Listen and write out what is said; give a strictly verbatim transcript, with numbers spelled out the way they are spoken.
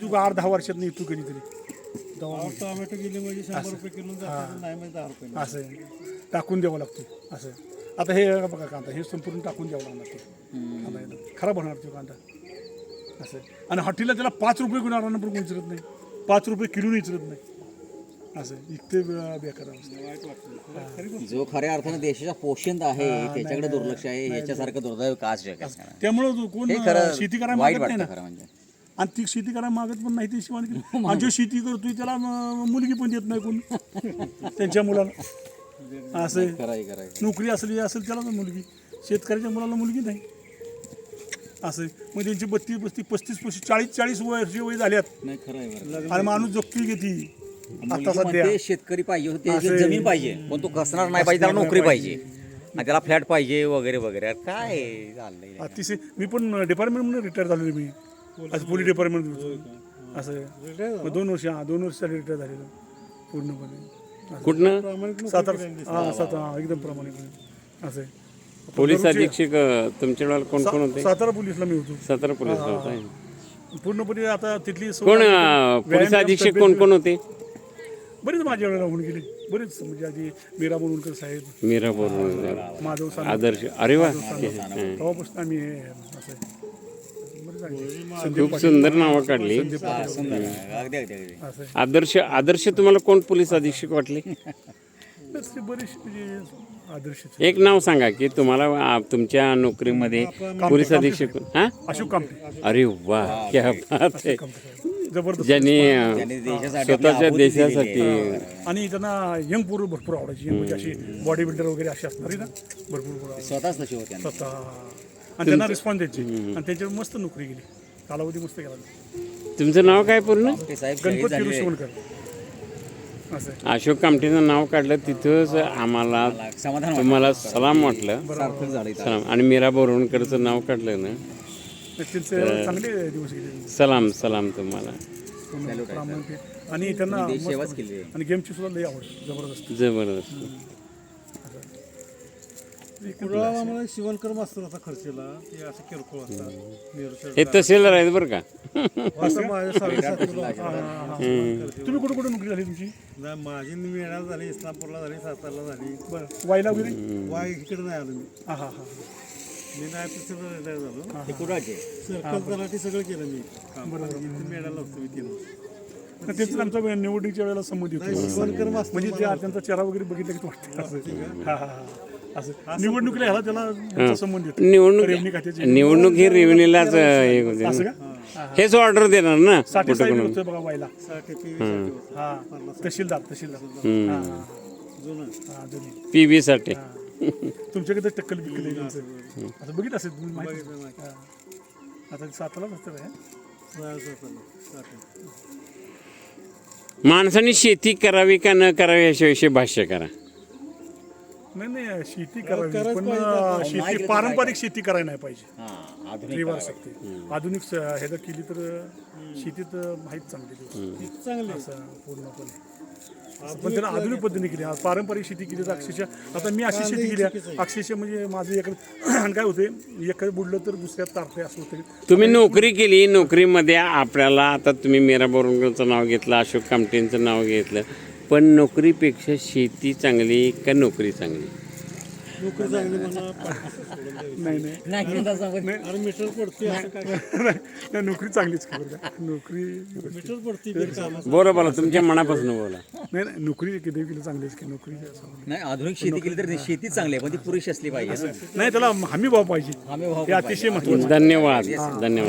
तू आठ दहा वर्षात नाही तू कधीतरी टोमॅटो गेले म्हणजे शंभर रुपये किलो नाही म्हणजे दहा रुपये असं आहे. टाकून द्यावं लागतं असं. आता हे बघा कांदा हे संपूर्ण टाकून द्यावं लागणार ते कांदा एकदम खराब होणार तो कांदा असं आहे. आणि हॉटेलला त्याला पाच रुपये गुणारांना पण कोण विचारत नाही, पाच रुपये किलो विचारत नाही असं इतके बेकार अवस्था. जो खऱ्या अर्थाने देशाचा पोषण आहे त्याच्याकडे दुर्लक्ष आहे, ह्याच्यासारखं दुर्दैव काच जगात. त्यामुळं कोण शेती करायला वाईट मागत नाही वाटतं ना, खरं म्हणजे. आणि ती शेती करायला मागत पण नाही ती शिवाय आणि जो शेती करतोय त्याला म- मुलगी पण देत नाही कोण त्यांच्या मुलाला असं खरंय खरंय. नोकरी असली असेल त्याला तर मुलगी, शेतकऱ्याच्या मुलाला मुलगी नाही असं. मग त्यांची बत्तीस बत्तीस पस्तीस पस्तीस चाळीस चाळीस वर्ष वय झाल्यात नाही खरंय बरं. आणि माणूस जगतोय घेती आता मुलगी सध्या म्हणते शेतकरी पाहिजे होते, जमीन पाहिजे पण तो कसणार नाही पाहिजे, त्याला नोकरी पाहिजे आणि त्याला फ्लॅट पाहिजे वगैरे वगैरे. काय चाललंय अतिशय. मी पण डिपार्टमेंटमध्ये रिटायर झालेलो मी, असं पोलीस डिपार्टमेंट असं. मग दोन वर्ष हा दोन वर्षासाठी रिटायर झालेलो पूर्णपणे. कुठनं सातारा हा सातारा एकदम प्रामाणिकपणे असं. पोलीस अधीक्षक तुमच्या वेळेला कोण कोण होते? सातारा पोलीसला मी होतो सातारा पोलीस होता. पूर्णपणे. आता तिथली कोण पोलीस अधीक्षक कोण कोण होते? बरेच माझ्या वेळेला होऊन गेले बरेच, म्हणजे आधी मीरा मुनकर साहेब, मीरा बोर, माधव साहेब, आदर्श. अरे वा, तेव्हापासून आम्ही हे असं बरेच आहे. खूप सुंदर नावं काढली. अगदी अगदी अगदी. असं आदर्श आदर्श तुम्हाला कोण पोलीस अधीक्षक वाटले? बरेचसे बरेचसे म्हणजे आदर्श. एक नाव सांगा की तुम्हाला आ, तुमच्या नोकरीमध्ये पोलीस अधीक्षक. हा, अशोक कामटे अरे वा, क्या बात आहे. जबरदस्त. ज्यांनी त्यांनी देशासाठी आपली स्वतःच्या आहुती दिलेली देशासाठी. आहे. आणि त्यांना यंग पोरं भरपूर आवडायची, यंग म्हणजे अशी बॉडी बिल्डर वगैरे अशी असणारी ना भरपूर पोरं आवडायची. स्वतःच तशी होते. स्वतः आणि त्यांना रिस्पॉन्स द्यायची आणि त्यांच्यावर मस्त नोकरी गेली, कालावधी मस्त गेला. तुमचं नाव काय पूर्ण? ते साहेब शहीद गणपत झालेले. शिवणकर असं. अशोक कामठेचं नाव काढलं तिथंच आम्हाला समाधान तुम्हाला सलाम वाटलं. सार्थक झालं इथं. सलाम. आणि मीरा बोरवणकरचं नाव काढलं ना, त्यांचे चांगले दिवस गेले सलाम सलाम तुम्हाला. प्रामाणिक. आणि त्यांना देश मस्त- सेवाच केली आहे. आणि गेमची सुद्धा लई आवड जबरदस्त. जबरदस्त. कुडाळ आम्हाला शिवणकर मास्तर होता खर्चेला, ते असं किरकोळ असतात. हे तहसीलदार आहेत बरं का. असं माझ्या साडेसातला तुम्ही कुठे कुठे नोकरी झाली तुमची? नाही, माझी मेळा झाली, इस्लामपूरला झाली, सातारला झाली. बरं. वाईला वगैरे? वाय इकडे नाही आलो मी. हा हा हा मी नाही पुस्तक रिटायर झालो. ते कुडाळचे. सर्कल तलाठी सगळं केलं मी काम. इथे मेळाला होतो मी तीन वर्ष. तर त्यांचं आमचा निवडणुकीच्या वेळेला संमती होतो. शिवणकर मास्तर म्हणजे ते त्यांचा चेहरा वगैरे बघितलं की वाटतं असं. हा हा हा असं निवडणुकीला ह्याला त्याला त्यांचा संबंध येतो. निवडणूक रेव्हन्यू खात्याची निवडणूक ही रेव्हन्यूलाच हे होते असं ना. का? हेच ऑर्डर देणार ना साठी कुठं साहेब कोण. होतं बघा वाईला. साठी पी व्ही साठी होतं. हा तहसीलदार तहसीलदार हम्म. हा हा जुनं. हा जुनी. पी बी साठी. हा. तुमच्याकडे टक्कल बिक्कल आहे त्यांचं. असं बघितलं असेल तुम्ही माहिती. बघितलं माहिती. हा. आता सातालाच असतं काय? सहा सातारला. साठी. माणसाने शेती करावी का न करावी याच्याविषयी भाष्य करा. नाही नाही शेती करावी करायच पण पाहिजे अं, नाही शेती केलं तर पारंपरिक शेती करायला नाही पाहिजे. हा, आधुनिक त्रिवार शकते आधुनिक स- ह्याला केली तर शेतीत माहीत चांगली दिवस ती चांगली आहे. असं पूर्णपणे. पण त्याला आधुनिक पद्धतीने केली. आज पारंपरिक शेती केली तर अक्षरशः आता मी अशी शेती केली आहे, अक्षरशः म्हणजे माझं एखादं काय होते एखादं बुडलं तर दुसऱ्यात तारते असं होतं. तुम्ही नोकरी केली, नोकरीमध्ये आपल्याला आता तुम्ही मीरा बोरंकरचं नाव घेतलं, अशोक कामटेंचं नाव घेतलं, पण नोकरीपेक्षा शेती चांगली का नोकरी चांगली? नोकरी चांगली म्हणा. नाही नाही नाही केलं सांगत. अरे मीटर पडते असं काय. नाही, नोकरी चांगलीच खबर का नोकरी. मीटर पडते बिल कामाचं. बोला बोला तुमच्या मनापासून बोला. नाही नाही नोकरी किती केली चांगलीच की नोकरी असं. नाही, आधुनिक शेती केली तर शेती चांगली आहे पण ती पुरेशी असली पाहिजे. नाही त्याला हमी भाव पाहिजे हमी भाव हे अतिशय महत्वाचं. धन्यवाद धन्यवाद.